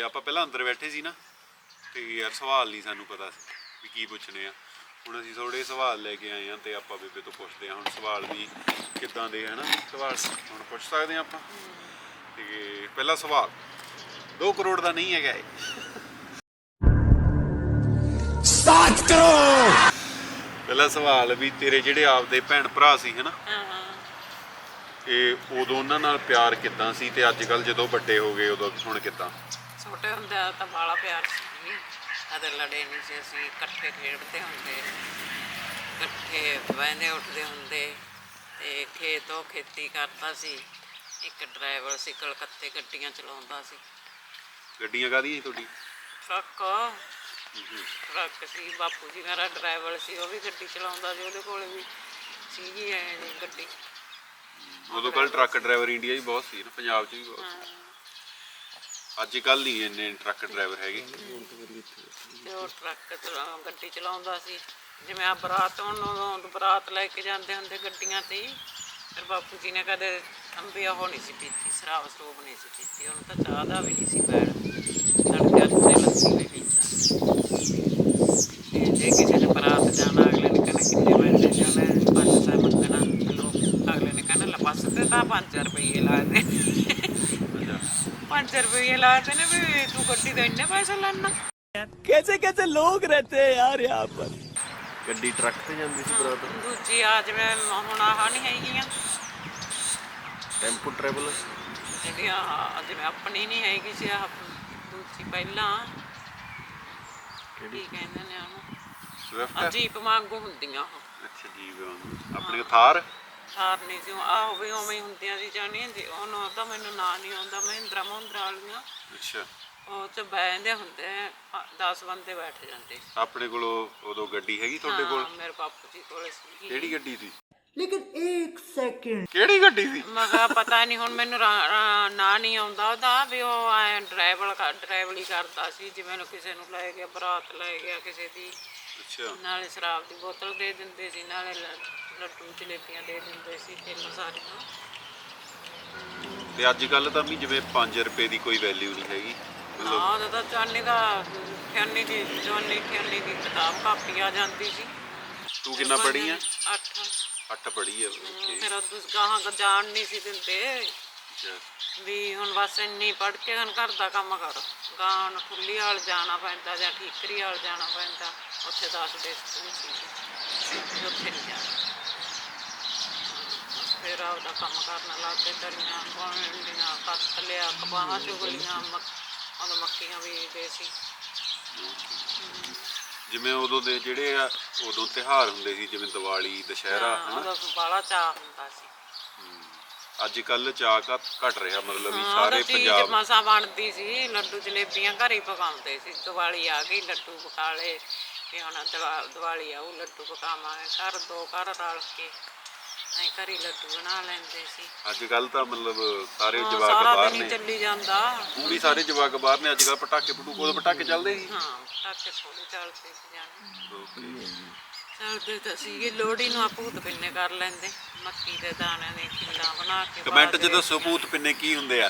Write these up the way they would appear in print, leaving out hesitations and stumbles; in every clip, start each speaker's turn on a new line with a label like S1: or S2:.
S1: ਆਪਾਂ ਪਹਿਲਾਂ ਅੰਦਰ ਬੈਠੇ ਸੀ ਨਾ ਤੇ ਯਾਰ ਸਵਾਲ ਨਹੀਂ ਸਾਨੂੰ ਪਤਾ ਵੀ ਕੀ ਪੁੱਛਣੇ ਆ। ਹੁਣ ਅਸੀਂ ਥੋੜੇ ਸਵਾਲ ਲੈ ਕੇ ਆਏ ਆ ਤੇ ਆਪਾਂ ਬੇਬੇ ਤੋਂ ਪੁੱਛਦੇ ਆ ਹੁਣ ਸਵਾਲ ਵੀ ਕਿੱਦਾਂ ਦੇ ਹੈ ਨਾ ਸਵਾਲ ਹੁਣ ਪੁੱਛ ਸਕਦੇ ਆ ਆਪਾਂ। ਤੇ ਪਹਿਲਾ ਸਵਾਲ 2 ਕਰੋੜ ਦਾ ਨਹੀਂ ਹੈਗਾ ਇਹ। 7 ਕਰੋੜ। ਪਹਿਲਾ ਸਵਾਲ ਵੀ ਤੇਰੇ ਜਿਹੜੇ ਆਪਦੇ ਭੈਣ ਭਰਾ ਸੀ ਹੈ ਨਾ ਇਹ ਉਦੋਂ ਉਹਨਾਂ ਨਾਲ ਪਿਆਰ ਕਿੱਦਾਂ ਸੀ ਤੇ ਅੱਜ ਕੱਲ ਜਦੋਂ ਵੱਡੇ ਹੋ ਗਏ ਉਦੋਂ ਹੁਣ ਕਿੱਦਾਂ?
S2: ਛੋਟੇ ਹੁੰਦੇ ਤਾਂ ਬਾਲਾ ਪਿਆਰ ਸੀ, ਕਦੇ ਲੜੇ ਨਹੀਂ ਸੀ ਅਸੀਂ, ਇਕੱਠੇ ਖੇਡਦੇ ਹੁੰਦੇ, ਇਕੱਠੇ ਬਹਿੰਦੇ ਉੱਠਦੇ ਹੁੰਦੇ ਤੇ ਖੇਤੋਂ ਖੇਤੀ ਕਰਦਾ ਸੀ। ਇੱਕ ਡਰਾਈਵਰ ਸੀ ਕਲਕੱਤੇ ਗੱਡੀਆਂ ਚਲਾਉਂਦਾ ਸੀ।
S1: ਗੱਡੀਆਂ ਕਾਹਦੀਆਂ ਸੀ ਤੁਹਾਡੀ?
S2: ਟਰੱਕ ਸੀ। ਬਾਪੂ ਜੀ ਮੇਰਾ ਡਰਾਈਵਰ ਸੀ, ਉਹ ਵੀ ਗੱਡੀ ਚਲਾਉਂਦਾ ਸੀ, ਉਹਦੇ ਕੋਲ ਵੀ ਸੀਗੀ ਐ ਗੱਡੀ।
S1: ਉਦੋਂ ਕੱਲ ਟਰੱਕ ਡਰਾਈਵਰ ਇੰਡੀਆ 'ਚ ਬਹੁਤ ਸੀ ਨਾ, ਪੰਜਾਬ 'ਚ ਵੀ ਬਹੁਤ ਸੀ। ਅੱਜ ਕੱਲ ਨਹੀਂ ਇੰਨੇ ਟਰੱਕ ਡਰਾਈਵਰ ਹੈਗੇ।
S2: ਤੇ ਉਹ ਟਰੱਕ ਗੱਡੀ ਚਲਾਉਂਦਾ ਸੀ। ਜਿਵੇਂ ਆ ਬਰਾਤ ਹੁਣ ਬਰਾਤ ਲੈ ਕੇ ਜਾਂਦੇ ਹੁੰਦੇ ਗੱਡੀਆਂ ਤੇ ਹੀ, ਫਿਰ ਬਾਪੂ ਜੀ ਨੇ ਕਦੇ ਅੰਬੀ ਉਹ ਨਹੀਂ ਸੀ ਪੀਤੀ, ਸ਼ਰਾਬ ਸਰੂਬ ਨਹੀਂ ਸੀ ਪੀਤੀ, ਉਹਨੂੰ ਤਾਂ ਚਾਹ ਦਾ ਵੀ ਨਹੀਂ ਸੀ ਪੈਣ, ਤੜਕੇ ਤੇ ਲੱਸੀ ਵੀ ਪੀਤਾ। ਤੇ ਜੇ ਕਿਸੇ ਨੇ ਬਰਾਤ ਜਾਣਾ ਅਗਲੇ ਨੇ ਕਹਿਣਾ ਕਿੰਨੇ ਪੈਸੇ ਜਾਣਾ, 500 ਮੰਗਣਾ, ਅਗਲੇ ਨੇ ਕਹਿਣਾ ਬਸ ਤੇ ਤਾਂ 5 ਰੁਪਈਏ ਲਾਏ ਨੇ। 5 ਰੁਪਈਏ ਲਾਏ ਤੇ ਨੇ ਵੀ ਤੂੰ ਗੱਡੀ ਦੇ ਇੰਨੇ ਪੈਸੇ ਲੈਣਾ।
S3: कैसे कैसे लोग रहते हैं यार यहाँ पर।
S1: ਗੱਡੀ ਟਰੱਕ ਤੇ ਜਾਂਦੀ ਸੀ ਬਰਾਤ?
S2: ਦੂਜੀ ਆ ਜਿਵੇਂ ਹੁਣ ਆਹ ਨਹੀਂ ਹੈਗੀਆਂ
S1: ਟੈਂਪੂ ਟਰੈਵਲ
S2: ਜਿਹੜੀਆਂ ਜਿਵੇਂ ਆਪਣੀ ਨਹੀਂ ਹੈਗੀ ਸੀ, ਆਹ ਦੂਜੀ ਪਹਿਲਾਂ ਕੀ ਕਹਿੰਦੇ ਨੇ ਉਹਨੂੰ,
S1: ਸਵਿਫਟ
S2: ਜੀਪ ਵਾਂਗੂ ਹੁੰਦੀਆਂ ਉਹ।
S1: ਅੱਛਾ ਜੀਪ ਆਪਣੀ ਥਾਰ
S2: ਨਹੀਂ ਸੀ ਆਹ ਵੀ ਉਵੇਂ ਹੀ ਹੁੰਦੀਆਂ ਸੀ ਜਾਣੀ ਜੀ। ਉਹਨੂੰ ਤਾਂ ਮੈਨੂੰ ਨਾਂ ਨਹੀਂ ਆਉਂਦਾ, ਮਹਿੰਦਰਾ ਮੁੰਦਰਾ ਵਾਲੀਆਂ।
S1: ਅੱਛਾ
S2: ਉਹ 'ਚ ਬਹਿੰਦੇ ਹੁੰਦੇ 10 ਬੰਦੇ ਬੈਠ ਜਾਂਦੇ।
S1: ਆਪਣੇ ਕੋਲ ਉਦੋਂ ਗੱਡੀ ਹੈਗੀ ਤੁਹਾਡੇ ਕੋਲ?
S2: ਮੇਰੇ ਬਾਪੂ ਜੀ ਕੋਲ ਸੀ।
S1: ਕਿਹੜੀ ਗੱਡੀ ਸੀ?
S3: लेकिन एक सेकंड
S1: ਕਿਹੜੀ ਗੱਡੀ ਸੀ?
S2: ਮੈਂ ਕਿਹਾ ਪਤਾ ਨਹੀਂ ਹੁਣ ਮੈਨੂੰ ਨਾਂ ਨਹੀਂ ਆਉਂਦਾ ਉਹਦਾ, ਵੀ ਉਹ ਐ ਡਰਾਈਵਰੀ ਕਰਦਾ ਸੀ। ਜਿਵੇਂ ਕਿਸੇ ਨੂੰ ਲੈ ਗਿਆ, ਬਰਾਤ ਲੈ ਗਿਆ ਕਿਸੇ ਦੀ,
S1: ਅੱਛਾ
S2: ਨਾਲੇ ਸ਼ਰਾਬ ਦੀ ਬੋਤਲ ਦੇ ਦਿੰਦੇ ਸੀ, ਨਾਲੇ ਲੱਡੂ ਜਲੇਬੀਆਂ ਦੇ ਦਿੰਦੇ ਸੀ, ਤਿੰਨ ਸਾਰੀਆਂ।
S1: ਤੇ ਅੱਜ ਕੱਲ ਤਾਂ ਵੀ ਜਿਵੇਂ 5 ਰੁਪਏ ਦੀ ਕੋਈ ਵੈਲਿਊ ਨਹੀਂ ਹੈਗੀ।
S2: ਨਾ ਉਹਦਾ ਤਾਂ ਚਾਨੀ ਦਾ ਖਿਆਨੀ ਦੀ ਕਿਤਾਬ ਕਾਪੀ ਆ ਜਾਂਦੀ ਸੀ।
S1: ਤੂੰ ਕਿੰਨਾ ਪੜ੍ਹੀ ਆ?
S2: 8
S1: ਪੜ੍ਹੀ ਆ।
S2: ਫਿਰ ਉਹ ਗਾਹਾਂ ਜਾਣ ਨਹੀਂ ਸੀ ਦਿੰਦੇ
S1: ਅੱਛਾ
S2: ਵੀ ਹੁਣ ਬਸ ਇੰਨੀ ਪੜ੍ਹ ਕੇ ਹੁਣ ਘਰ ਦਾ ਕੰਮ ਕਰ। ਗਾਂ ਖੁੱਲੀ ਵਾਲ ਜਾਣਾ ਪੈਂਦਾ ਜਾਂ ਠੀਕਰੀ ਵਾਲ ਜਾਣਾ ਪੈਂਦਾ, ਉੱਥੇ 10 ਦੇ ਸਕੂਲ ਸੀ, ਉੱਥੇ ਨਹੀਂ ਜਾਣਾ। ਫਿਰ ਆਪਦਾ ਕੰਮ ਕਰਨ ਲੱਗ ਪਏ, ਦਰੀਆਂ ਪਾਉਣੀਆਂ, ਕੱਤ ਲਿਆ, ਕਪਾਹਾਂ ਚੁਗਲੀਆਂ, ਉਦੋਂ ਮੱਕੀਆਂ ਬੀਜਦੇ ਸੀ।
S1: ਜਿਵੇਂ ਉਦੋਂ ਦੇ ਜਿਹੜੇ ਆ ਉਦੋਂ ਤਿਉਹਾਰ ਹੁੰਦੇ ਸੀ ਜਿਵੇਂ ਦੀਵਾਲੀ ਦੁਸ਼ਹਿਰਾ
S2: ਉਦੋਂ ਬਾਹਲਾ ਚਾਅ ਹੁੰਦਾ ਸੀ।
S1: ਅੱਜ ਕੱਲ ਚਾਅ ਘਟ ਰਿਹਾ, ਮਤਲਬ ਵੀ ਸਾਰੇ ਪੰਜਾਬ
S2: ਮਸਾਂ ਬਣਦੀ ਸੀ। ਲੱਡੂ ਜਲੇਬੀਆਂ ਘਰ ਹੀ ਪਕਾਉਂਦੇ ਸੀ। ਦੀਵਾਲੀ ਆ ਗਈ, ਲੱਡੂ ਪਕਾ ਲਏ, ਤੇ ਹੁਣ ਦੀਵਾਲੀ ਆਊ ਲੱਡੂ ਪਕਾਵਾਂਗੇ। ਘਰ ਦੋ ਘਰ ਰਲ ਕੇ ਐਂ ਘਰੀ ਲੱਡੂ ਬਣਾ ਲੈਂਦੇ ਸੀ।
S1: ਅੱਜ ਕੱਲ ਤਾਂ ਮਤਲਬ ਸਾਰੇ ਜਵਾਕ
S2: ਸਾਰਾ
S1: ਬਾਹਰ
S2: ਦਿਨ
S1: ਨੇ,
S2: ਚੱਲੀ ਜਾਂਦਾ।
S1: ਉਹ ਵੀ ਸਾਰੇ ਜਵਾਕ ਬਾਹਰ ਨੇ। ਅੱਜ ਕੱਲ ਪਟਾਕੇ ਉਦੋਂ ਪਟਾਕੇ ਚੱਲਦੇ ਸੀ?
S2: ਹਾਂ ਪਟਾਕੇ ਥੋੜੇ ਚੱਲਦੇ ਸੀ ਜਾਣੇ, ਚੱਲਦੇ ਤਾਂ ਸੀਗੇ। ਲੋਹੜੀ ਨੂੰ ਭੂਤ ਪਿੰਨੇ ਕਰ ਲੈਂਦੇ, ਮੱਕੀ ਦੇ ਦਾਣਿਆਂ ਦੇ ਖਿੱਲਾਂ ਬਣਾ ਕੇ।
S1: ਕਮੈਂਟ 'ਚ ਦੱਸੋ ਭੂਤ ਪਿੰਨੇ ਕੀ ਹੁੰਦੇ ਆ?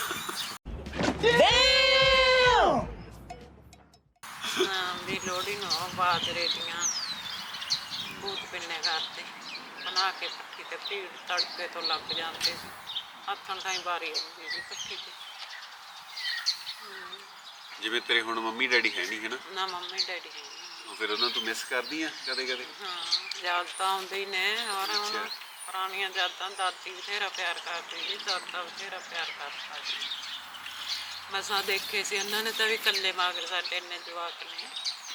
S2: ਵੀ ਲੋਹੜੀ ਨੂੰ ਬਾਜਰੇ ਦੀਆਂ ਭੂਤ ਪਿੰਨੇ ਕਰਦੇ ਬਣਾ ਕੇ ਪੱਠੀ ਤੇ ਭੀੜ ਤੜਕੇ ਤੋਂ ਲੱਗ ਜਾਂਦੇ ਸੀ। ਹੱਥਾਂ ਤਾਈਂ ਵਾਰੀ ਆਉਂਦੀ ਸੀ ਪੱਠੀ ਤੇ।
S1: ਜਿਵੇਂ ਤੇਰੇ ਹੁਣ ਮੰਮੀ ਡੈਡੀ ਹੈ ਨਹੀਂ ਹੈ ਨਾ?
S2: ਨਾ ਮੰਮੀ ਡੈਡੀ ਹੈ ਨਹੀਂ।
S1: ਫਿਰ ਉਹਨਾਂ ਤੋਂ ਮਿਸ ਕਰਦੀ ਆ ਕਦੇ ਕਦੇ?
S2: ਹਾਂ ਯਾਦ ਤਾਂ ਆਉਂਦੇ ਹੀ ਨੇ। ਔਰ ਹੁਣ ਪੁਰਾਣੀਆਂ ਯਾਦਾਂ, ਦਾਦੀ ਬਥੇਰਾ ਪਿਆਰ ਕਰਦੀ ਸੀ, ਦਾਦਾ ਬਥੇਰਾ ਪਿਆਰ ਕਰਦਾ ਸੀ। ਮਸਾਂ ਦੇਖੇ ਸੀ ਉਹਨਾਂ ਨੇ ਤਾਂ ਵੀ ਇਕੱਲੇ ਮਾਗਰ ਸਾਡੇ ਇੰਨੇ ਜਵਾਕ ਨੇ।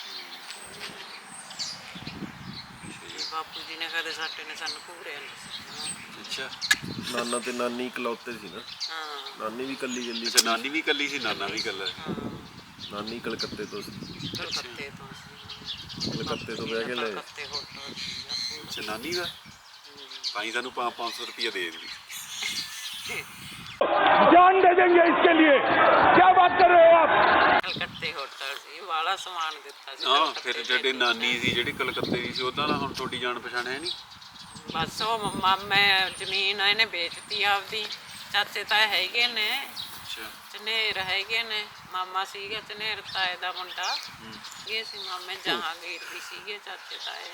S2: ਬਾਪੂ ਜੀ ਨੇ ਕਦੇ ਸਾਡੇ ਨੇ ਸਾਨੂੰ ਘੂਰਿਆ ਨਹੀਂ ਸੀ।
S1: ਅੱਛਾ
S4: ਨਾਨਾ ਤੇ ਨਾਨੀ ਇਕਲੌਤੇ ਸੀ ਨਾ?
S2: ਹਾਂ
S4: ਨਾਨੀ ਵੀ ਕੱਲੀ
S1: ਅੱਛਾ ਨਾਨੀ ਵੀ ਇਕੱਲੀ ਸੀ, ਨਾਨਾ ਵੀ ਇਕੱਲਾ?
S4: ਨਾਨੀ ਕਲਕੱਤੇ ਤੋਂ ਸੀ।
S2: ਕਲਕੱਤੇ ਤੋਂ ਸੀ।
S4: ਕਲਕੱਤੇ ਤੋਂ ਬਹਿ ਕੇ ਲੈ।
S2: ਕਲਕੱਤੇ ਹੋਟਲ ਸੀ।
S1: ਅੱਛਾ ਨਾਨੀ ਦਾ ਤਾਂ ਹੀ ਸਾਨੂੰ 500 ਰੁਪਇਆ ਦੇ ਦਿੰਦੀ।
S3: जान दे देंगे इसके लिए, क्या बात कर रहे हो आप?
S2: ਕਲਕੱਤੇ ਹੋਟਲ ਸੀ, ਵਾਲਾ ਸਮਾਨ ਦਿੱਤਾ ਸੀ।
S1: ਹਾਂ ਫਿਰ ਜਿਹੜੇ ਨਾਨੀ ਸੀ ਜਿਹੜੀ ਕਲਕੱਤੇ ਦੀ ਸੀ ਉਹਦਾ ਨਾ ਹੁਣ ਤੁਹਾਡੀ ਜਾਣ ਪਛਾਣ ਹੈ ਨਹੀਂ?
S2: ਬਸ ਉਹ ਮਾਮੇ ਜ਼ਮੀਨ ਇਹਨੇ ਵੇਚਤੀ ਆਪਦੀ। ਚਾਚੇ ਤਾਂ ਹੈਗੇ ਨੇ,
S1: ਅੱਛਾ
S2: ਝਨੇਰ ਹੈਗੇ ਨੇ, ਮਾਮਾ ਸੀਗਾ ਝਨੇਰ ਤਾਏ ਦਾ ਮੁੰਡਾ ਇਹ ਸੀ ਮਾਮੇ ਜਹਾਂਗੀਰ ਵੀ ਸੀਗੇ ਚਾਚੇ ਤਾਏ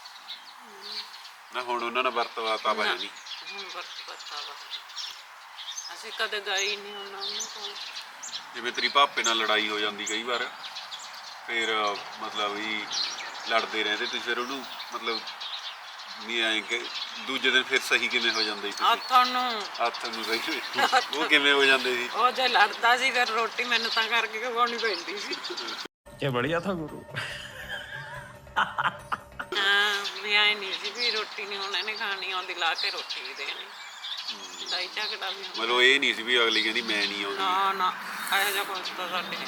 S1: ਨਾ ਹੁਣ ਉਹਨਾਂ ਨਾਲ ਵਰਤਵਾਤਾ ਵਾ ਨਹੀਂ
S2: ਹੁਣ ਵਰਤਾ ਵਾ ਅਸੀਂ ਕਦੇ ਗਏ ਨਹੀਂ ਉਹਨਾਂ ਕੋਲ
S1: ਜਿਵੇਂ ਤੇਰੀ ਭਾਪੇ ਨਾਲ ਲੜਾਈ ਹੋ ਜਾਂਦੀ ਕਈ ਵਾਰ ਫਿਰ ਮਤਲਬ ਵੀ ਲੜਦੇ ਰਹਿੰਦੇ ਤੁਸੀਂ ਫਿਰ ਉਹਨੂੰ ਮਤਲਬ ਨਹੀਂ ਆਏ ਕਿ ਦੂਜੇ ਦਿਨ ਫਿਰ ਸਹੀ ਕਿਵੇਂ ਹੋ ਜਾਂਦੇ ਸੀ ਹੱਥ ਨੂੰ ਸਹੀ ਉਹ ਕਿਵੇਂ ਹੋ ਜਾਂਦੇ ਸੀ
S2: ਉਹ ਜੇ ਲੜਦਾ ਸੀ ਫਿਰ ਰੋਟੀ ਮੈਨੂੰ ਤਾਂ ਕਰਕੇ ਖਵਾਉਣੀ ਪੈਂਦੀ ਸੀ
S3: ये बढ़िया था गुरु
S2: ਹਾਂ ਵੀ ਆਏ ਨਹੀਂ ਸੀ ਵੀ ਰੋਟੀ ਨਹੀਂ ਹੁਣ ਇਹਨੇ ਖਾਣੀ ਆਉਂਦੀ ਲਾ ਕੇ ਰੋਟੀ ਵੀ ਦੇਣੀ ਦਾਈ ਝਗੜਾ ਵੀ ਹੁੰਦਾ।
S1: ਮਤਲਬ ਇਹ ਨਹੀਂ ਸੀ ਵੀ ਅਗਲੀ ਕਹਿੰਦੀ ਮੈਂ ਨਹੀਂ ਆਉਂਦੀ
S2: ਨਾ ਨਾ ਇਹੋ ਜਿਹਾ ਕੁਛ ਤਾਂ ਸਾਡੇ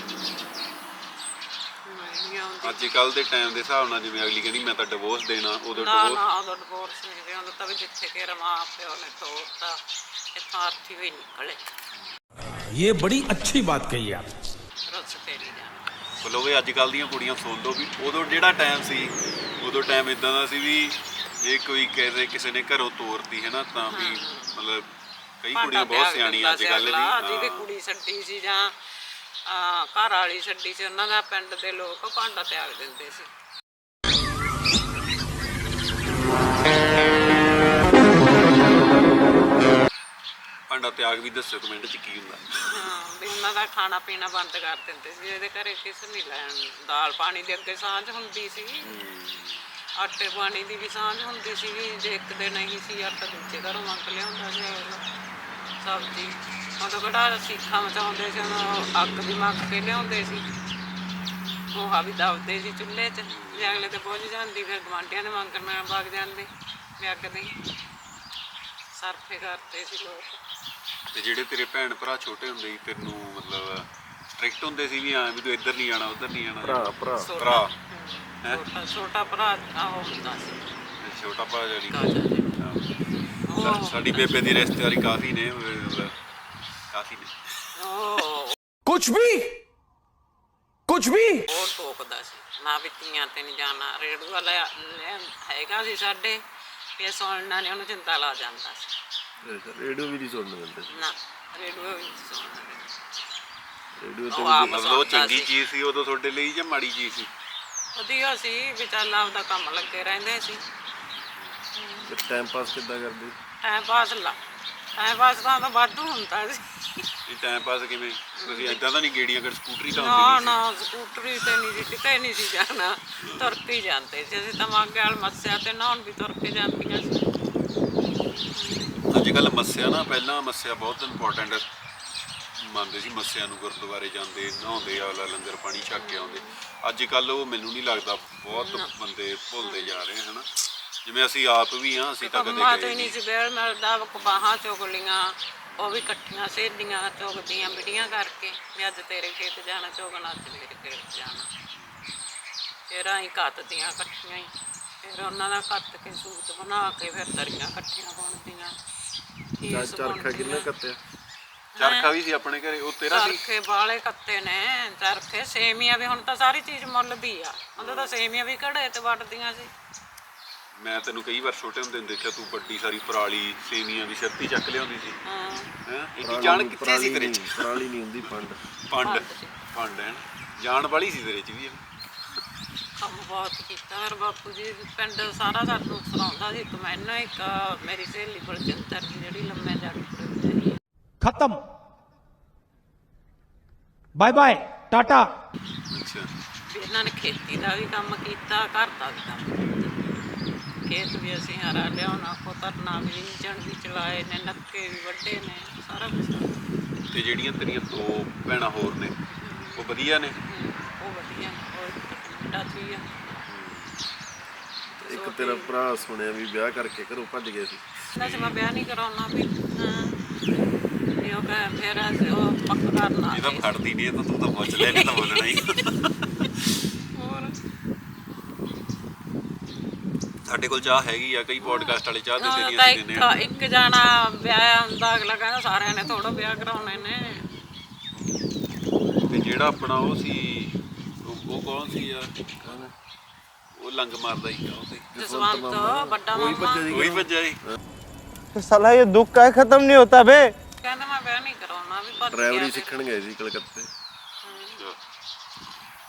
S2: ਨਹੀਂ ਆਉਂਦੀ
S1: ਅੱਜ ਕੱਲ ਦੇ ਟਾਈਮ ਦੇ ਹਿਸਾਬ ਨਾਲ ਜਿਵੇਂ ਅਗਲੀ ਕਹਿੰਦੀ ਮੈਂ ਤਾਂ ਡਿਵੋਰਸ ਦੇਣਾ ਉਦੋਂ
S2: ਨਾ
S1: ਡਿਵੋਰਸ
S2: ਨਾ ਉਦੋਂ ਡਿਵੋਰਸ ਨਹੀਂ ਦੇ ਤਾਂ ਵੀ ਜਿੱਥੇ ਕਿ ਰਮਾ ਪਿਓ ਨੇ ਤੋੜਤਾ ਇੱਥੋਂ ਅਰਥੀ ਵੀ ਨਿਕਲੇ
S3: ये बड़ी अच्छी बात कही आप
S2: ਰੁੱਸ ਫੇਰੀ ਜਾਣਾ
S1: ਮਤਲਬ ਇਹ ਅੱਜ ਕੱਲ ਦੀਆਂ ਕੁੜੀਆਂ ਸੁਣ ਲਓ ਵੀ ਉਦੋਂ ਜਿਹੜਾ ਟਾਈਮ ਸੀ ਉਦੋਂ ਟਾਈਮ ਇਦਾਂ ਦਾ ਸੀ ਵੀ ਜੇ ਕੋਈ ਕਹੇ ਕਿਸੇ ਨੇ ਘਰੋਂ ਤੋਰਤੀ ਹੈ ਨਾ ਤਾਂ ਵੀ ਮਤਲਬ ਕਈ ਕੁੜੀਆਂ ਬਹੁਤ ਸਿਆਣੀਆਂ ਅੱਜ ਕੱਲ
S2: ਜਿਹਦੀ ਕੁੜੀ ਛੱਡੀ ਸੀ ਜਾਂ ਘਰ ਵਾਲੀ ਛੱਡੀ ਸੀ ਉਹਨਾਂ ਦਾ ਪਿੰਡ ਦੇ ਲੋਕ ਭਾਂਡਾ ਤਿਆਗ ਦਿੰਦੇ ਸੀ
S1: ਭਾਂਡਾ ਤਿਆਗ ਵੀ ਦੱਸੋ ਕਮੈਂਟ 'ਚ ਕੀ ਹੁੰਦਾ
S2: ਹਾਂ ਵੀ ਉਹਨਾਂ ਦਾ ਖਾਣਾ ਪੀਣਾ ਬੰਦ ਕਰ ਦਿੰਦੇ ਸੀ ਇਹਦੇ ਘਰੇ ਕਿਸ ਨਹੀਂ ਲੈਣ ਦਾਲ ਪਾਣੀ ਦੇ ਅੱਗੇ ਸਾਂਝ ਹੁੰਦੀ ਸੀ ਆਟੇ ਪਾਣੀ ਦੀ ਵੀ ਸਾਂਝ ਹੁੰਦੀ ਸੀ ਜੇ ਇੱਕ ਦੇ ਨਹੀਂ ਸੀ ਆਟਾ ਦੂਜੇ ਘਰੋਂ ਮੰਗ ਲਿਆਉਂਦਾ ਸੀ ਸਬਜ਼ੀ ਉਦੋਂ ਕਿਹੜਾ ਸੀਖਾਂ ਮਚਾਉਂਦੇ ਸੀ ਉਹਨੂੰ ਅੱਗ ਵੀ ਮੰਗ ਕੇ ਲਿਆਉਂਦੇ ਸੀ ਉਹ ਵੀ ਦਬਦੇ ਸੀ ਚੁੱਲ੍ਹੇ 'ਚ ਜੇ ਅਗਲੇ ਤੇ ਪਹੁੰਚ ਜਾਂਦੀ ਫਿਰ ਗੁਆਂਢੀਆਂ ਦੇ ਮੰਗਣ ਵਗ ਜਾਂਦੇ ਵੀ ਅੱਗ ਦੇ ਸਰਫੇ ਕਰਦੇ ਸੀ ਲੋਕ
S1: ਤੇ ਜਿਹੜੇ ਤੇਰੇ ਭੈਣ ਭਰਾ ਛੋਟੇ ਹੁੰਦੇ ਸੀ ਤੈਨੂੰ ਮਤਲਬ ਸਟ੍ਰਿਕਟ ਹੁੰਦੇ ਸੀ ਵੀ ਹਾਂ ਵੀ ਤੂੰ ਇੱਧਰ ਨਹੀਂ ਜਾਣਾ ਉੱਧਰ ਨਹੀਂ ਜਾਣਾ ਭਰਾ
S2: ਛੋਟਾ ਭਰਾ ਉਹ ਹੁੰਦਾ ਸੀ
S1: ਤੇ ਛੋਟਾ ਭਰਾ ਜਿਹੜੀ
S2: ਉਹ
S1: ਸਾਡੀ ਬੇਬੇ ਦੀ ਰਿਸ਼ਤੇਦਾਰੀ ਕਾਫੀ ਨੇ ਮਤਲਬ ਕਾਫੀ ਨੇ
S2: ਉਹ
S3: कुछ भी
S2: ਉਹ ਟੋਕਦਾ ਸੀ ਨਾ ਵੀ ਧੀਆਂ ਤੇ ਨਹੀਂ ਜਾਣਾ ਰੇੜੂ ਵਾਲਾ ਹੈਗਾ ਸੀ ਸਾਡੇ ਵੀ ਸੁਣਨਾ ਨੇ ਉਹਨੂੰ ਚਿੰਤਾ ਲਾ ਜਾਂਦਾ ਸੀ
S4: ਰੇਡੀਓ ਵੀ ਨਹੀਂ ਸੁਣਨ ਦਿੰਦੇ
S2: ਨਾ ਰੇੜੂ ਵੀ ਨਹੀਂ ਸੁਣਨਾ
S4: ਰੇਡੀਓ
S2: ਉਹ ਆਪ
S1: ਮਤਲਬ ਉਹ ਚੰਗੀ ਚੀਜ਼ ਸੀ ਉਦੋਂ ਤੁਹਾਡੇ ਲਈ ਜਾਂ ਮਾੜੀ ਚੀਜ਼ ਸੀ
S2: ਵਧੀਆ ਸੀ ਵੀ ਚੱਲ ਆਪਦਾ ਕੰਮ ਲੱਗੇ ਰਹਿੰਦੇ ਸੀ
S4: ਤੇ ਟਾਈਮ ਪਾਸ ਕਿੱਦਾਂ ਕਰਦੇ
S2: ਟਾਈਮ ਪਾਸ ਤਾਂ ਵਾਧੂ ਹੁੰਦਾ ਸੀ
S1: ਇਹ ਟਾਈਮ ਪਾਸ ਕਿਵੇਂ ਤੁਸੀਂ ਏਦਾਂ ਤਾਂ ਨਹੀਂ ਗੇੜੀਆਂ ਕਰ ਸਕੂਟਰੀ ਤਾਂ
S2: ਨਾ
S1: ਹੁੰਦੀ
S2: ਨਾ ਸਕੂਟਰੀ ਤੇ ਨਹੀਂ ਜੀ ਕਿਤੇ ਨਹੀਂ ਸੀ ਜਾਣਾ ਤੁਰ ਕੇ ਜਾਂਦੇ ਸੀ ਅਸੀਂ ਤਾਂ ਮਾਗੇ ਵਾਲ ਮੱਸਿਆ ਤੇ ਨਹਾਉਣ ਵੀ ਤੁਰ ਕੇ ਜਾਂਦੀਆਂ ਸੀ
S1: ਅੱਜ ਕੱਲ ਮੱਸਿਆ ਨਾ ਪਹਿਲਾਂ ਮੱਸਿਆ ਬਹੁਤ ਇੰਪੋਰਟੈਂਟ ਮੰਨਦੇ ਸੀ ਮੱਸਿਆ ਨੂੰ ਗੁਰਦੁਆਰੇ ਜਾਂਦੇ ਨਹਾਉਂਦੇ ਆਲਾ ਲੰਗਰ ਪਾਣੀ ਛਕ ਕੇ ਆਉਂਦੇ ਅੱਜ ਕੱਲ ਉਹ ਮੈਨੂੰ ਨਹੀਂ ਲੱਗਦਾ ਬਹੁਤ ਬੰਦੇ ਭੁੱਲਦੇ ਜਾ ਰਹੇ ਹਨ ਜਿਵੇਂ ਅਸੀਂ ਆਪ ਵੀ ਹਾਂ ਅਸੀਂ ਤਾਂ ਕਦੇ
S2: ਕੰਮਾਂ
S1: ਗਏ
S2: ਤੋਂ ਹੀ ਨਹੀਂ ਸੀ ਵੇਲ ਮਿਲਦਾ ਬਾਹਾਂ ਚੁਗ ਲੀਆਂ ਉਹ ਵੀ ਇਕੱਠੀਆਂ ਸਹੇਲੀਆਂ ਚੁਗਦੀਆਂ ਬਿੜੀਆਂ ਕਰਕੇ ਵੀ ਅੱਜ ਤੇਰੇ ਖੇਤ ਜਾਣਾ ਚੁਗਣਾ ਅੱਜ ਮੇਰੇ ਖੇਤ ਜਾਣਾ ਫਿਰ ਅਸੀਂ ਕੱਤਦੀਆਂ ਇਕੱਠੀਆਂ ਹੀ ਫਿਰ ਉਹਨਾਂ ਦਾ ਕੱਤ ਕੇ ਸੂਟ ਬਣਾ ਕੇ ਫਿਰ ਦਰੀਆਂ ਇਕੱਠੀਆਂ ਬੁਣਦੀਆਂ
S4: ਚਰਖਾ ਕਿੰਨੇ ਕੱਤਿਆ
S1: ਚਰਖਾ ਵੀ ਸੀ ਆਪਣੇ ਘਰੇ ਉਹ ਤੇਰਾ ਸੀ
S2: ਚਰਖੇ ਬਾਲੇ ਕੱਤੇ ਨੇ ਚਰਖੇ ਸੇਮੀਆਂ ਵੀ ਹੁਣ ਤਾਂ ਸਾਰੀ ਚੀਜ਼ ਮੁੱਲ ਦੀ ਆ ਉਦੋਂ ਤਾਂ ਸੇਮੀਆਂ ਵੀ ਘੜੇ ਤੇ ਵੱਟਦੀਆਂ ਸੀ
S1: ਮੈਂ ਤੈਨੂੰ ਕਈ ਵਾਰ ਛੋਟੇ ਹੁੰਦੇ ਨੂੰ ਦੇਖਿਆ ਤੂੰ ਵੱਡੀ ਸਾਰੀ ਪਰਾਲੀ ਸੇਮੀਆਂ ਦੀ ਛੱਤੀ ਚੱਕ ਲਿਆਉਂਦੀ ਸੀ
S2: ਹਾਂ
S1: ਹੈ ਇਹ ਜਾਣ ਕਿੱਥੇ ਸੀ ਤੇਰੇ ਚ
S4: ਪਰਾਲੀ ਨਹੀਂ ਹੁੰਦੀ
S1: ਪੰਡ ਹੈ ਜਾਣ ਵਾਲੀ ਸੀ ਤੇਰੇ ਚ ਵੀ
S2: ਕੰਮ ਬਹੁਤ ਕੀਤਾ ਮੇਰੇ ਬਾਪੂ ਜੀ ਪਿੰਡ ਸਾਰਾ ਸਾਨੂੰ ਸੁਣਾਉਂਦਾ ਸੀ ਇੱਕ ਮੈਨੂੰ ਇੱਕ ਮੇਰੀ ਸਹੇਲੀ ਬਲਜਿੰਦਰ ਦੀ ਜਿਹੜੀ ਲੰਮੇ ਜੱਟ ਰਹੀ
S3: खत्म बाय बाय टाटा
S1: ਅੱਛਾ
S2: ਵੀ ਇਹਨਾਂ ਨੇ ਖੇਤੀ ਦਾ ਵੀ ਕੰਮ ਕੀਤਾ ਘਰ ਦਾ ਵੀ ਕੰਮ ਕੀਤਾ ਖੇਤ ਵੀ ਅਸੀਂ ਹਰਾ ਲਿਆਉਣਾ ਕੋਤਰਨਾ ਵੀ ਇੰਜਣ ਵੀ ਚਲਾਏ ਨੇ ਨੱਕੇ ਵੀ ਵੱਡੇ ਨੇ ਸਾਰਾ ਕੁਛ
S1: ਤੇ ਜਿਹੜੀਆਂ ਤੇਰੀਆਂ ਦੋ ਭੈਣਾਂ ਹੋਰ ਨੇ ਉਹ ਵਧੀਆ ਨੇ
S2: ਉਹ ਵਧੀਆ ਉਹ ਕੈਨੇਡਾ 'ਚ ਹੀ ਆ
S4: ਇੱਕ ਤੇਰਾ ਭਰਾ ਸੁਣਿਆ ਵੀ ਵਿਆਹ ਕਰਕੇ ਘਰੋਂ ਭੱਜ ਗਿਆ ਸੀ
S2: ਕਹਿੰਦਾ ਸੀ ਮੈਂ ਵਿਆਹ ਨਹੀਂ ਕਰਾਉਣਾ ਵੀ ਵੀ ਉਹ ਕਹੇ ਫਿਰ ਅਸੀਂ ਉਹ ਪੱਕਾ ਕਰਨਾ
S1: ਇਹ ਤਾਂ ਖੜਦੀ ਨਹੀਂ ਇਹ ਤਾਂ ਤੂੰ ਤਾਂ ਪੁੱਛ ਲੈ ਨਹੀਂ ਤਾਂ ਬੋਲਣਾ ਹੀ
S2: ਹੋਰ
S1: ਸਾਡੇ ਕੋਲ ਚਾਹ ਹੈਗੀ ਆ ਕਈ ਪੋਡਕਾਸਟ ਵਾਲੇ ਚਾਹ ਦਿੰਦੇ ਨਹੀਂ
S2: ਤਾਂ
S1: ਅਸੀਂ ਦਿੰਦੇ ਆ
S2: ਇੱਕ ਜਾਣਾ ਵਿਆਹ ਹੁੰਦਾ ਅਗਲਾ ਕਹਿੰਦਾ ਸਾਰਿਆਂ ਨੇ ਥੋੜਾ ਵਿਆਹ ਕਰਾਉਣੇ ਨੇ
S1: ਤੇ ਜਿਹੜਾ ਆਪਣਾ ਉਹ ਸੀ ਉਹ ਕੌਣ ਸੀ ਯਾਰ ਉਹ ਲੰਗ ਮਾਰਦਾ ਹੀ ਕੌਣ ਸੀ
S2: ਜਸਵੰਤ ਵੱਡਾ ਮਾਮਾ
S1: ਉਹੀ ਭੱਜਿਆ ਸੀ
S5: साला ये दुख का खत्म नहीं होता बे
S2: ਕਹਿੰਦਾ ਮੈਂ ਵਿਆਹ ਨਹੀਂ ਕਰਾਉਣਾ ਵੀ ਭੱਜ
S4: ਡਰਾਈਵਰੀ
S2: ਗਿਆ
S4: ਸਿੱਖਣ ਗਏ ਸੀ ਕਲਕੱਤੇ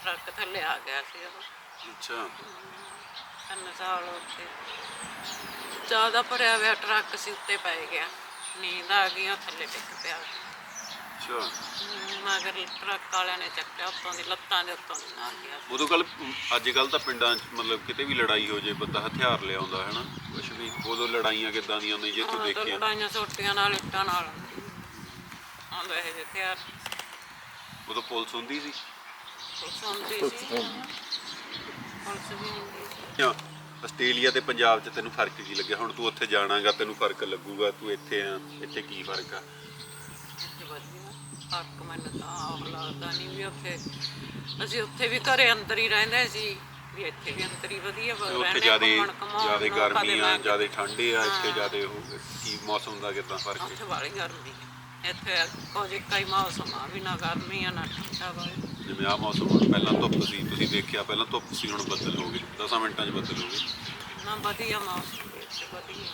S2: ਟਰੱਕ ਥੱਲੇ ਆ ਗਿਆ ਸੀ ਉਹ।
S1: ਅੱਛਾ
S2: 3 ਸਾਲ ਉੱਤੇ ਜ਼ਿਆਦਾ ਭਰਿਆ ਹੋਇਆ ਟਰੱਕ ਸੀ, ਉੱਤੇ ਪੈ ਗਿਆ, ਨੀਂਦ ਆ ਗਈ, ਉਹ ਥੱਲੇ ਡਿੱਗ ਪਿਆ।
S1: ਅੱਛਾ
S2: ਮਗਰ ਟਰੱਕ ਵਾਲਿਆਂ ਨੇ ਚੱਕਿਆ, ਉੱਤੋਂ ਦੀ ਲੱਤਾਂ ਦੇ ਉੱਤੋਂ ਦੀ ਆ ਗਿਆ।
S1: ਉਦੋਂ ਕੱਲ ਅੱਜ ਕੱਲ ਤਾਂ ਪਿੰਡਾਂ 'ਚ ਮਤਲਬ ਕਿਤੇ ਵੀ ਲੜਾਈ ਹੋ ਜੇ ਬੰਦਾ ਹਥਿਆਰ ਲਿਆਉਂਦਾ ਹੈ ਨਾ ਕੁਛ ਵੀ। ਉਦੋਂ ਲੜਾਈਆਂ ਕਿੱਦਾਂ ਦੀਆਂ ਹੁੰਦੀਆਂ ਜੇ ਤੂੰ
S2: ਹੁਣ ਤਾਂ
S1: ਦੇਖਿਆ?
S2: ਲੜਾਈਆਂ ਸੋਟੀਆਂ ਨਾਲ, ਇੱਟਾਂ ਨਾਲ ਆਉਂਦਾ ਇਹ ਜਿਹੇ ਹਥਿਆਰ।
S1: ਉਦੋਂ ਪੁਲਿਸ ਹੁੰਦੀ ਸੀ।
S2: ਪੁਲਿਸ ਹੁੰਦੀ ਸੀ, ਪੁਲਿਸ ਵੀ ਹੁੰਦੀ ਸੀ।
S1: ਜਾਂ ਆਸਟ੍ਰੇਲੀਆ ਤੇ ਪੰਜਾਬ 'ਚ ਤੈਨੂੰ ਫਰਕ ਕੀ ਲੱਗਿਆ? ਹੁਣ ਤੂੰ ਉੱਥੇ ਜਾਣਾਗਾ ਤੈਨੂੰ ਫਰਕ ਲੱਗੂਗਾ, ਤੂੰ ਇੱਥੇ ਆ, ਇੱਥੇ ਕੀ ਫਰਕ ਆ?
S2: ਇੱਥੇ ਵਧੀਆ ਫਰਕ ਮੈਨੂੰ ਤਾਂ ਆਪ ਲੱਗਦਾ ਨਹੀਂ ਵੀ ਉੱਥੇ ਅਸੀਂ ਉੱਥੇ ਵੀ ਘਰੇ ਅੰਦਰ ਹੀ ਰਹਿੰਦੇ ਸੀ, ਵੀ ਇੱਥੇ ਵੀ ਅੰਦਰ ਹੀ ਵਧੀਆ
S1: ਉੱਥੇ
S2: ਰਹਿੰਦੇ,
S1: ਜ਼ਿਆਦੇ
S2: ਘੁੰਮਣ ਘੁੰਮਾਉਣ
S1: ਜ਼ਿਆਦੇ
S2: ਨੂੰ,
S1: ਗਰਮੀ
S2: ਕਦੇ
S1: ਆ,
S2: ਮੈਂ-
S1: ਜ਼ਿਆਦੇ ਠੰਡੇ ਆ, ਇੱਥੇ ਜ਼ਿਆਦੇ ਉਹ ਕੀ ਮੌਸਮ ਦਾ ਕਿੱਦਾਂ ਫਰਕ ਹੈ?
S2: ਉੱਥੇ ਵਾਲੀ ਗਰਮੀ ਹੈ, ਇੱਥੇ ਕੁਝ ਕਈ ਮੌਸਮ ਆ ਵੀ ਨਾ ਗਰਮੀ ਆ ਨਾ ਠੰਡਾ ਵਾ।
S1: ਜਿਵੇਂ ਆਹ ਮੌਸਮ ਹੁਣ ਪਹਿਲਾਂ ਧੁੱਪ ਸੀ, ਤੁਸੀਂ ਦੇਖਿਆ ਪਹਿਲਾਂ ਧੁੱਪ ਸੀ, ਹੁਣ ਬੱਦਲ ਹੋ ਗਏ, 10 ਮਿੰਟਾਂ 'ਚ ਬੱਦਲ ਹੋ ਗਏ।
S2: ਨਾ ਵਧੀਆ ਮੌਸਮ ਵਿੱਚ ਵਧੀਆ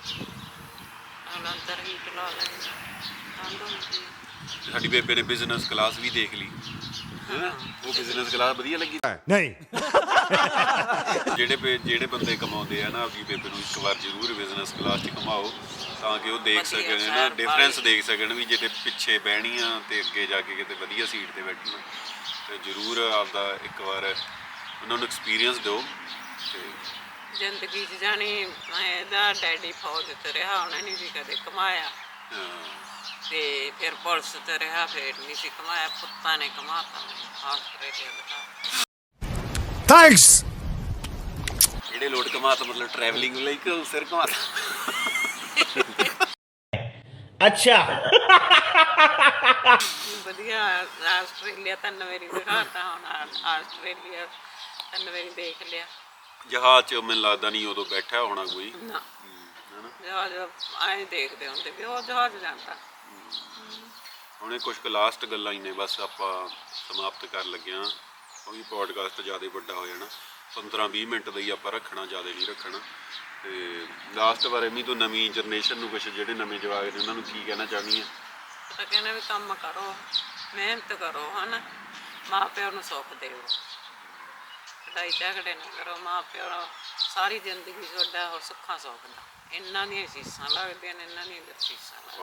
S2: ਅੰਦਰ ਹੀ ਚਲਾ ਲੈਂਦੇ ਠੰਡ ਹੁੰਦੀ ਹੈ।
S1: ਸਾਡੀ ਬੇਬੇ ਨੇ ਬਿਜ਼ਨਸ ਕਲਾਸ ਵੀ ਦੇਖ ਲਈ ਹੈ ਨਾ, ਉਹ ਬਿਜ਼ਨਸ ਕਲਾਸ ਵਧੀਆ ਲੱਗੀ।
S3: नहीं
S1: ਜਿਹੜੇ ਬੰਦੇ ਕਮਾਉਂਦੇ ਆ ਨਾ ਆਪਣੀ ਬੇਬੇ ਨੂੰ ਇੱਕ ਵਾਰ ਜ਼ਰੂਰ ਬਿਜ਼ਨਸ ਕਲਾਸ 'ਚ ਘੁਮਾਓ ਤਾਂ ਕਿ ਉਹ ਦੇਖ
S2: ਵਧੀਆ
S1: ਸਕਣ ਨਾ,
S2: ਸ਼ਹਿਰ
S1: ਡਿਫਰੈਂਸ ਦੇਖ ਸਕਣ ਵੀ ਜੇ ਤੇ ਪਿੱਛੇ ਬਹਿਣੀ ਆ ਤੇ ਅੱਗੇ ਜਾ ਕੇ ਕਿਤੇ ਵਧੀਆ ਸੀਟ ਤੇ ਬੈਠਣਾ, ਤੇ ਜ਼ਰੂਰ ਆਪਦਾ ਇੱਕ ਵਾਰ ਉਹਨਾਂ ਨੂੰ ਐਕਸਪੀਰੀਅੰਸ ਦਿਓ। ਤੇ
S2: ਜ਼ਿੰਦਗੀ 'ਚ ਜਾਣੀ ਇਹਦਾ ਡੈਡੀ ਫੌਜ 'ਚ ਰਿਹਾ, ਉਹਨੇ ਨਹੀਂ ਵੀ ਕਦੇ ਕਮਾਇਆ, ਤੇ ਫਿਰ ਪੁਲਿਸ 'ਚ ਰਿਹਾ, ਫਿਰ ਨਹੀਂ ਸੀ ਕਮਾਇਆ, ਪੁੱਤਾਂ ਨੇ ਕਮਾਤਾ ਆਸਟ੍ਰੇਲੀਆ ਦਾ।
S3: थैंक्स
S1: ਜਿਹੜੇ ਲੋਟ ਕਮਾਤਾ ਮਤਲਬ ਟਰੈਵਲਿੰਗ ਲਈ ਕਿ ਸਿਰ ਕਮਾਤਾ?
S2: ਵਧੀਆ ਆਸਟ੍ਰੇਲੀਆ ਤਾਂ ਮੇਰੀ ਦਿਖਾਤਾ, ਹੁਣ ਆਸਟ੍ਰੇਲੀਆ ਤਾਂ ਮੇਰੀ ਦੇਖ ਲਿਆ।
S1: ਜਹਾਜ਼ 'ਚ ਮੈਨੂੰ ਲੱਗਦਾ ਨਹੀਂ ਉਦੋਂ ਬੈਠਾ ਹੋਣਾ ਕੋਈ
S2: ਨਾ
S1: ਹਨਾ।
S2: ਜਹਾਜ਼ ਐਂ ਦੇਖਦੇ ਹੁੰਦੇ ਵੀ ਉਹ ਜਹਾਜ਼ ਜਾਂਦਾ।
S1: ਹੁਣ ਇਹ ਕੁਝ ਕੁ ਲਾਸਟ ਗੱਲਾਂ ਹੀ ਨੇ, ਬਸ ਆਪਾਂ ਸਮਾਪਤ ਕਰਨ ਲੱਗੇ ਹਾਂ ਕਿਉਂਕਿ ਪੋਡਕਾਸਟ ਜ਼ਿਆਦਾ ਵੱਡਾ ਹੋ ਜਾਣਾ। 15-20 ਮਿੰਟ ਦਾ ਹੀ ਆਪਾਂ ਰੱਖਣਾ, ਜ਼ਿਆਦਾ ਨਹੀਂ ਰੱਖਣਾ। ਤੇ ਲਾਸਟ ਵਾਰ ਐਵੇਂ ਤੋਂ ਨਵੀਂ ਜਨਰੇਸ਼ਨ ਨੂੰ ਕੁਛ ਜਿਹੜੇ ਨਵੇਂ ਜਵਾਕ ਨੇ ਉਹਨਾਂ ਨੂੰ ਕੀ ਕਹਿਣਾ ਚਾਹੁੰਦੀ ਆ?
S2: ਤਾਂ ਕਹਿੰਦੇ ਵੀ ਕੰਮ ਕਰੋ, ਮਿਹਨਤ ਕਰੋ, ਹਨਾ, ਮਾਂ ਪਿਓ ਨੂੰ ਸੁੱਖ ਦਿਓ, ਲੜਾਈ ਝਗੜੇ ਨਾ ਕਰੋ, ਮਾਂ ਪਿਓ ਨੂੰ ਸਾਰੀ ਜ਼ਿੰਦਗੀ ਤੁਹਾਡਾ ਉਹ ਸੁੱਖਾਂ ਸੁੱਖ ਦਾ, ਇਹਨਾਂ ਦੀਆਂ ਸੀਸਾਂ ਲੱਗਦੀਆਂ ਨੇ, ਇਹਨਾਂ ਦੀਆਂ ਸੀਸਾਂ ਲੱਗਦੀਆਂ।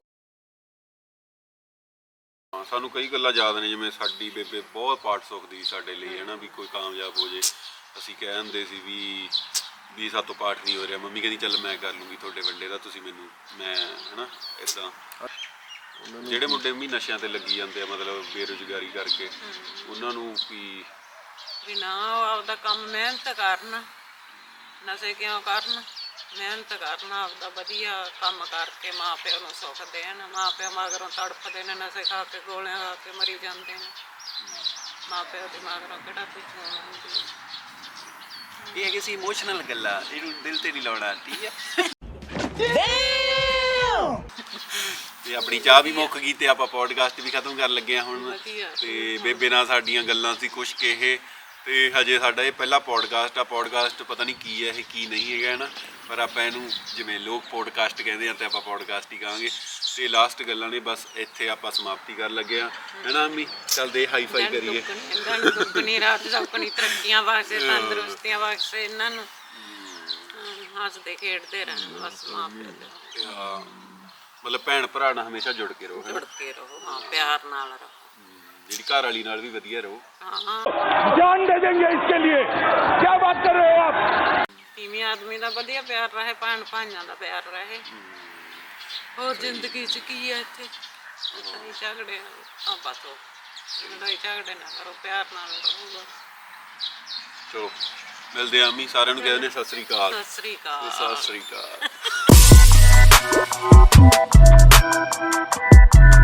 S1: ਹਾਂ, ਸਾਨੂੰ ਕਈ ਗੱਲਾਂ ਯਾਦ ਨੇ, ਜਿਵੇਂ ਸਾਡੀ ਬੇਬੇ ਬਹੁਤ ਪਾਠ ਸੁੱਖਦੀ ਸੀ ਸਾਡੇ ਲਈ ਹੈ ਨਾ, ਵੀ ਕੋਈ ਕਾਮਯਾਬ ਹੋ ਜੇ। ਅਸੀਂ ਕਹਿ ਦਿੰਦੇ ਸੀ ਵੀ ਸਾਤੋਂ ਪਾਠ ਨਹੀਂ ਹੋ ਰਿਹਾ, ਮੰਮੀ ਕਹਿੰਦੀ ਚੱਲ ਮੈਂ ਕਰ ਲੂੰਗੀ ਤੁਹਾਡੇ ਵੱਡੇ ਦਾ, ਤੁਸੀਂ ਮੈਨੂੰ ਮੈਂ ਹੈ ਨਾ ਇੱਦਾਂ। ਜਿਹੜੇ ਮੁੰਡੇ ਵੀ ਨਸ਼ਿਆਂ ਤੇ ਲੱਗੀ ਜਾਂਦੇ ਆ ਮਤਲਬ ਬੇਰੁਜ਼ਗਾਰੀ ਕਰਕੇ, ਉਹਨਾਂ ਨੂੰ
S2: ਵੀ ਨਾ ਉਹ ਆਪਦਾ ਕੰਮ ਮਿਹਨਤ ਕਰਨ, ਨਸ਼ੇ ਕਿਉਂ ਕਰਨ, ਮਿਹਨਤ ਕਰਨ, ਆਪਦਾ ਵਧੀਆ ਕੰਮ ਕਰਕੇ ਮਾਂ ਪਿਓ ਨੂੰ ਸੁੱਖ ਦੇਣ। ਮਾਂ ਪਿਓ ਮਗਰੋਂ ਤੜਫਦੇ ਨੇ, ਨਸ਼ੇ ਖਾ ਕੇ ਗੋਲੀਆਂ ਖਾ ਕੇ ਮਰੀ ਜਾਂਦੇ ਨੇ, ਮਾਂ ਪਿਓ ਦੇ ਮਗਰੋਂ ਕਿਹੜਾ ਕੁਝ ਹੋਣਾ ਹੁੰਦੀ।
S1: ਇਹ ਹੈਗੇ ਸੀ ਇਮੋਸ਼ਨਲ ਗੱਲਾਂ, ਇਹਨੂੰ ਦਿਲ ਤੇ ਨਹੀਂ ਲਾਉਣਾ, ਠੀਕ ਹੈ। ਤੇ ਆਪਣੀ ਚਾਹ ਵੀ ਮੁੱਕ ਗਈ ਤੇ ਆਪਾਂ ਪੋਡਕਾਸਟ ਵੀ ਖਤਮ ਕਰਨ ਲੱਗੇ ਆ ਹੁਣ।
S2: ਵਧੀਆ।
S1: ਤੇ ਬੇਬੇ ਨਾਲ ਸਾਡੀਆਂ ਗੱਲਾਂ ਸੀ ਕੁਛ ਕਿ ਇਹ, ਤੇ ਹਜੇ ਸਾਡਾ ਇਹ ਪਹਿਲਾ ਪੋਡਕਾਸਟ ਆ। ਪੋਡਕਾਸਟ ਪਤਾ ਨਹੀਂ ਕੀ ਹੈ ਇਹ ਕੀ ਨਹੀਂ ਹੈਗਾ ਹੈ ਨਾ, ਪਰ ਆਪਾਂ ਇਹਨੂੰ ਜਿਵੇਂ ਲੋਕ ਪੋਡਕਾਸਟ ਕਹਿੰਦੇ ਆ ਤੇ ਆਪਾਂ ਪੋਡਕਾਸਟ ਹੀ ਕਹਾਂਗੇ। ਤੇ ਲਾਸਟ ਗੱਲਾਂ ਨੇ ਬਸ ਇੱਥੇ ਆਪਾਂ ਸਮਾਪਤੀ ਕਰਨ ਲੱਗੇ ਆ, ਹੈ ਨਾ ਅੰਮੀ? ਚੱਲਦੇ ਹਾਈ ਫਾਈ ਕਰੀਏ।
S2: ਦੁੱਗਣੀ ਰਾਤ ਸੌਕਣੀ, ਤਰੱਕੀਆਂ ਵਾਸਤੇ, ਤੰਦਰੁਸਤੀਆਂ ਵਾਸਤੇ, ਇਹਨਾਂ ਨੂੰ ਹੱਸਦੇ ਖੇਡਦੇ ਰਹਿਣ ਬਸ ਮਾਂ ਪਿਓ ਦੇ।
S1: ਮਤਲਬ ਭੈਣ ਭਰਾ ਨਾਲ ਹਮੇਸ਼ਾ ਜੁੜ ਕੇ ਰਹੋ, ਹੈ ਨਾ?
S2: ਜੁੜ ਕੇ ਰਹੋ, ਹਾਂ, ਪਿਆਰ ਨਾਲ ਰਹੋ,
S1: ਜਿਹੜੀ ਘਰ ਵਾਲੀ ਨਾਲ ਵੀ ਵਧੀਆ ਰਹੋ।
S2: ਹਾਂ।
S3: जान दे देंगे इसके लिए क्या बात कर रहे हो आप?
S2: ਤੀਵੀਂ ਆਦਮੀ ਦਾ ਵਧੀਆ ਪਿਆਰ ਰਹੇ, ਭੈਣ ਭਾਈਆਂ ਦਾ ਪਿਆਰ ਰਹੇ, ਹੋਰ ਜ਼ਿੰਦਗੀ 'ਚ ਕੀ ਹੈ ਇੱਥੇ? ਲੜਾਈ ਝਗੜੇ ਆ ਬਸ, ਉਹ ਲੜਾਈ ਝਗੜੇ ਨਾ ਕਰੋ, ਪਿਆਰ ਨਾਲ ਰਹੋ ਬਸ।
S1: ਚਲੋ ਮਿਲਦੇ ਆ ਅੰਮੀ, ਸਾਰਿਆਂ ਨੂੰ ਕਹਿੰਦੇ ਨੇ ਸਤਿ ਸ੍ਰੀ ਅਕਾਲ।
S2: ਸਤਿ ਸ੍ਰੀ ਅਕਾਲ।
S1: ਸਤਿ ਸ੍ਰੀ ਅਕਾਲ।